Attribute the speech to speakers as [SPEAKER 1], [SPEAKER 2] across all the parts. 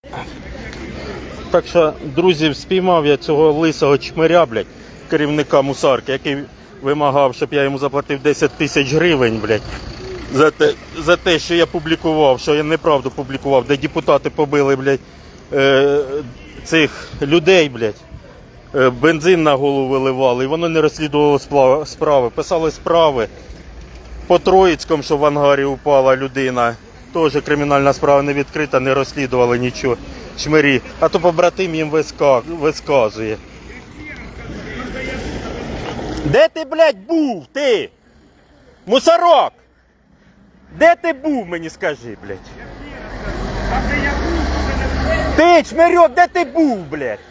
[SPEAKER 1] Так що, друзі, спіймав я цього лисого чмиря, блядь, керівника мусарки, який вимагав, щоб я йому заплатив 10 тисяч гривень, блядь, за те, що я публікував, що я неправду публікував, де депутати побили, блядь, цих людей, блядь, бензин на голову виливали, і воно не розслідувало справи. Писали справи по Троїцькому, що в ангарі упала людина. Теж кримінальна справа не відкрита, не розслідували нічого. Чмирі. А то побратим їм висказує. Де ти, блядь, був, ти? Мусорок! Де ти був, мені скажи, блядь? Ти, чмирьок, де ти був, блядь?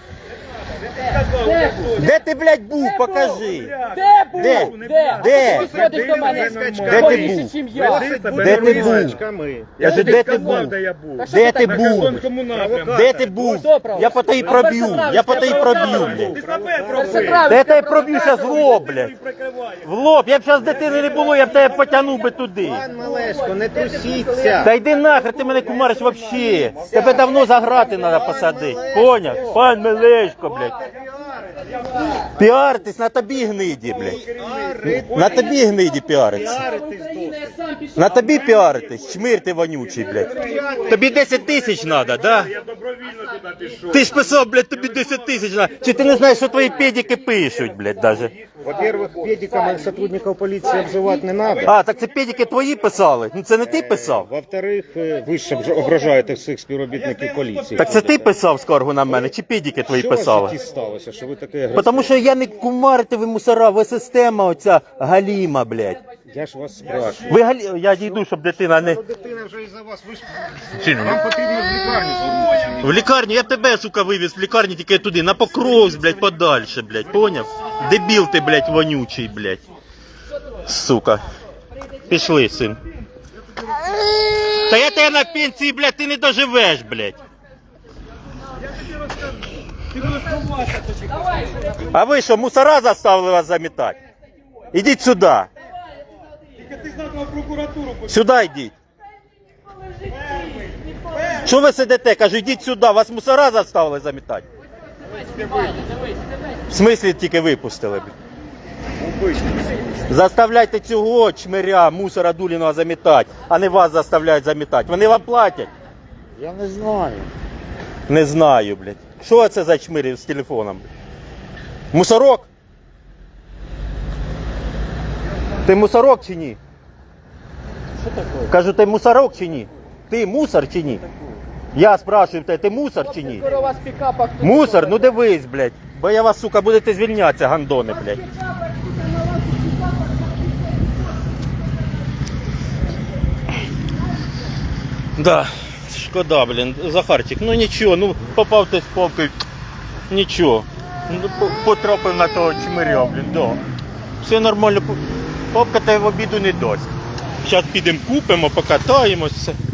[SPEAKER 1] Де ти, блядь, був? Покажи.
[SPEAKER 2] Де був?
[SPEAKER 1] Де?
[SPEAKER 2] Де?
[SPEAKER 1] Де?
[SPEAKER 2] Ти підходиш до мене.
[SPEAKER 1] Де ти був?
[SPEAKER 2] Чим я?
[SPEAKER 1] Де ти був? Кажу, де ти був? Де ти був? Де ти був? Я по тебе проб'ю. Я по тебе проб'ю, блядь. Де тебе проб'ю зараз в лоб, блядь. В лоб. Я б зараз дитини не було, я б тебе потягнув би туди.
[SPEAKER 3] Пан Мелешко, не трусіться.
[SPEAKER 1] Та йди нахер, ти мене кумариш вообще. Тебе давно за грати треба посадити. Поняв? Пан Мелешко, блядь. Піаритись на тобі гниді, блядь. На тобі гниді піаритись. На тобі піаритись, чмир ти вонючий, блядь. Тобі 10 тисяч треба, да? Ти ж писав, блядь, тобі 10 тисяч треба. Чи ти не знаєш, що твої педики пишуть, блядь, даже?
[SPEAKER 3] Во-первых, педикам сотрудников полиции обзывать не надо.
[SPEAKER 1] А, так це педики твої писали? Ну це не ти писав?
[SPEAKER 3] Во-вторых, ви ж ображаєте всіх співробітників поліції.
[SPEAKER 1] Так це ти писав скаргу на мене, чи педики твої
[SPEAKER 3] Що в
[SPEAKER 1] писали?
[SPEAKER 3] житті сталося, що ви таке агресивне?
[SPEAKER 1] Тому що я не кумарите, ви мусора, ви система оця галіма, блядь.
[SPEAKER 3] Я ж вас спрашиваю.
[SPEAKER 1] Ви галі... Я дійду, щоб дитина не...
[SPEAKER 3] Дитина вже із-за вас, ви ж... Вам потрібно в лікарню звернутися.
[SPEAKER 1] В лікарню, я тебе, сука, вивіз в лікарню тільки туди, на Покровськ, блядь, подальше, блядь, поняв? Дебіл ти, блядь, вонючий, блядь. Сука. Пішли, син. Та я тебе на пенсії, блядь, ти не доживеш, блядь. А ви що, мусора заставили вас замітати? Ідіть сюди. Сюди йдіть. Що ви сидите? Кажу, йдіть сюди. Вас мусора заставили замітати? В смислі тільки випустили? Заставляйте цього чмиря, мусора Дуліного замітати, а не вас заставляють замітати. Вони вам платять?
[SPEAKER 3] Я не знаю.
[SPEAKER 1] Не знаю, блядь. Що це за чмирі з телефоном? Мусорок? Ти мусорок чи ні?
[SPEAKER 3] Що таке?
[SPEAKER 1] Кажу, ти мусорок чи ні? Ти мусор чи ні? Я спрашиваю тебе, ти мусор чи ні?
[SPEAKER 2] Скоро у вас пікапа.
[SPEAKER 1] Мусор? Ну дивись, блядь. Бо я вас, сука, будете звільнятися, гандони, блядь. Да, шкода, блін, Захарчик, ну нічого, ну попав ти з попкою, нічого. Ну, потрапив на того чмиря, блін, да. Все нормально, попка тебе в обіду не дасть. Зараз підемо купимо, покатаємося.